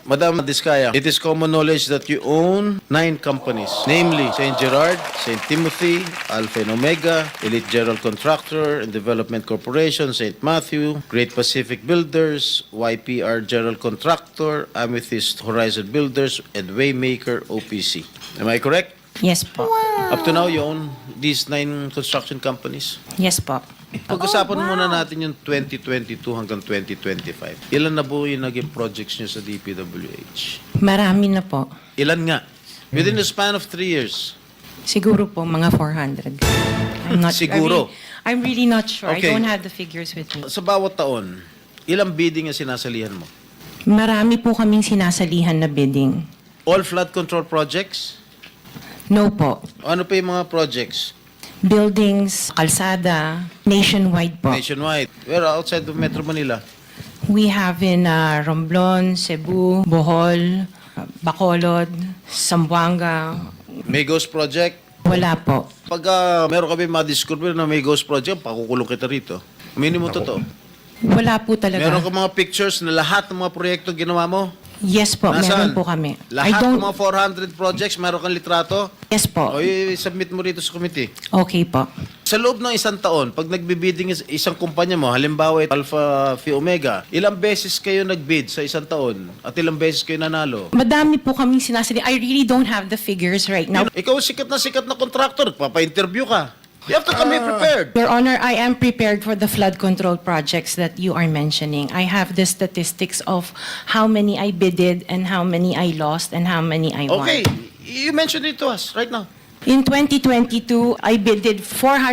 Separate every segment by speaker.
Speaker 1: Madam Diskaya, it is common knowledge that you own 9 companies, namely St. Gerard, St. Timothy, Alpha and Omega, Elite General Contractor and Development Corporation, St. Matthew, Great Pacific Builders, YPR General Contractor, Amethyst Horizon Builders, and Waymaker OPC. Am I correct?
Speaker 2: Yes po.
Speaker 1: Up to now, you own these 9 construction companies?
Speaker 2: Yes po.
Speaker 1: Pag-usapan muna natin yung 2022 hanggang 2025. Ilan na po yung naging projects nyo sa DPWH?
Speaker 2: Marami na po.
Speaker 1: Ilan nga? Within the span of 3 years.
Speaker 2: Siguro po mga 400. I'm not
Speaker 1: Siguro.
Speaker 2: I'm really not sure.
Speaker 1: Okay.
Speaker 2: I don't have the figures with me.
Speaker 1: Sa bawat taon, ilang bidding ang sinasalihan mo?
Speaker 2: Marami po kaming sinasalihan na bidding.
Speaker 1: All flood control projects?
Speaker 2: No po.
Speaker 1: Ano pa yung mga projects?
Speaker 2: Buildings, kalsada, nationwide po.
Speaker 1: Nationwide. Where outside of Metro Manila?
Speaker 2: We have in Romblon, Cebu, Bohol, Bacolod, Zamboanga.
Speaker 1: May ghost project?
Speaker 2: Wala po.
Speaker 1: Pag meron kami ma-discover na may ghost project, pakukulong kita rito. Minimum totoo.
Speaker 2: Wala po talaga.
Speaker 1: Meron ka mga pictures na lahat ng mga proyekto ginawa mo?
Speaker 2: Yes po,
Speaker 1: Nasaan?
Speaker 2: meron po kami.
Speaker 1: Lahat ng mga 400 projects, meron kang litrato?
Speaker 2: Yes po.
Speaker 1: O i-submit mo rito sa committee.
Speaker 2: Okay po.
Speaker 1: Sa loob ng isang taon, pag nagbibidding isang kumpanya mo, halimbawa Alpha Phi Omega, ilang beses kayo nagbid sa isang taon at ilang beses kayo nanalo?
Speaker 2: Madami po kaming sinasali. I really don't have the figures right now.
Speaker 1: Ikaw sikat na contractor, papa-interview ka. You have to come here prepared.
Speaker 2: Your Honor, I am prepared for the flood control projects that you are mentioning. I have the statistics of how many I bidded and how many I lost and how many I won.
Speaker 1: Okay, you mentioned it to us right now.
Speaker 2: In 2022, I bidded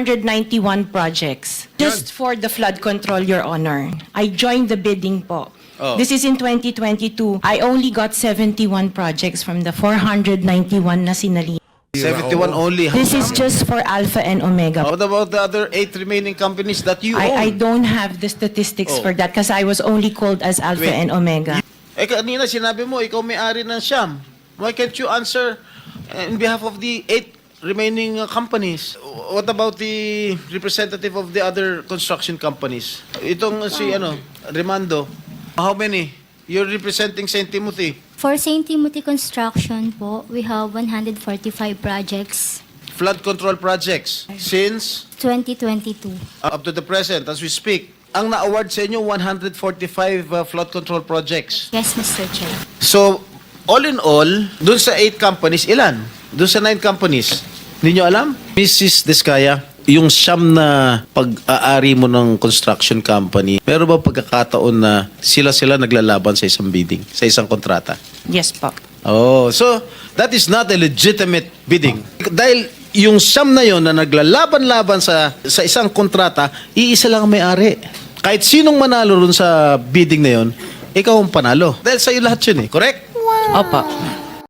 Speaker 2: 491 projects just for the flood control, Your Honor. I joined the bidding po.
Speaker 1: Oh.
Speaker 2: This is in 2022. I only got 71 projects from the 491 na sinali.
Speaker 1: 71 only.
Speaker 2: This is just for Alpha and Omega.
Speaker 1: What about the other 8 remaining companies that you
Speaker 2: I
Speaker 1: own?
Speaker 2: don't have the statistics
Speaker 1: Oh.
Speaker 2: for that because I was only called as Alpha
Speaker 1: Wait.
Speaker 2: and Omega.
Speaker 1: Kanina sinabi mo, ikaw may-ari ng Siam. Why can't you answer in behalf of the 8 remaining companies? What about the representative of the other construction companies? Itong si Remando, how many? You're representing St. Timothy.
Speaker 3: For St. Timothy Construction po, we have 145 projects
Speaker 1: Flood control projects since
Speaker 3: 2022.
Speaker 1: up to the present as we speak. Ang na-award sa inyo 145 flood control projects.
Speaker 3: Yes, Mr. Chair.
Speaker 1: So, all in all, dun sa 8 companies, ilan? Dun sa 9 companies, hindi nyo alam? Mrs. Diskaya, yung siyam na pag-aari mo ng construction company, meron ba pagkakataon na sila naglalaban sa isang bidding, sa isang kontrata?
Speaker 2: Yes po.
Speaker 1: Oh, so that is not a legitimate bidding. Dahil yung siyam na yon na naglalaban-laban sa isang kontrata, iisa lang ang may-ari. Kahit sinong manalo ron sa bidding na yon, ikaw ang panalo. Dahil sa'yo lahat yun eh, correct?
Speaker 2: Opo.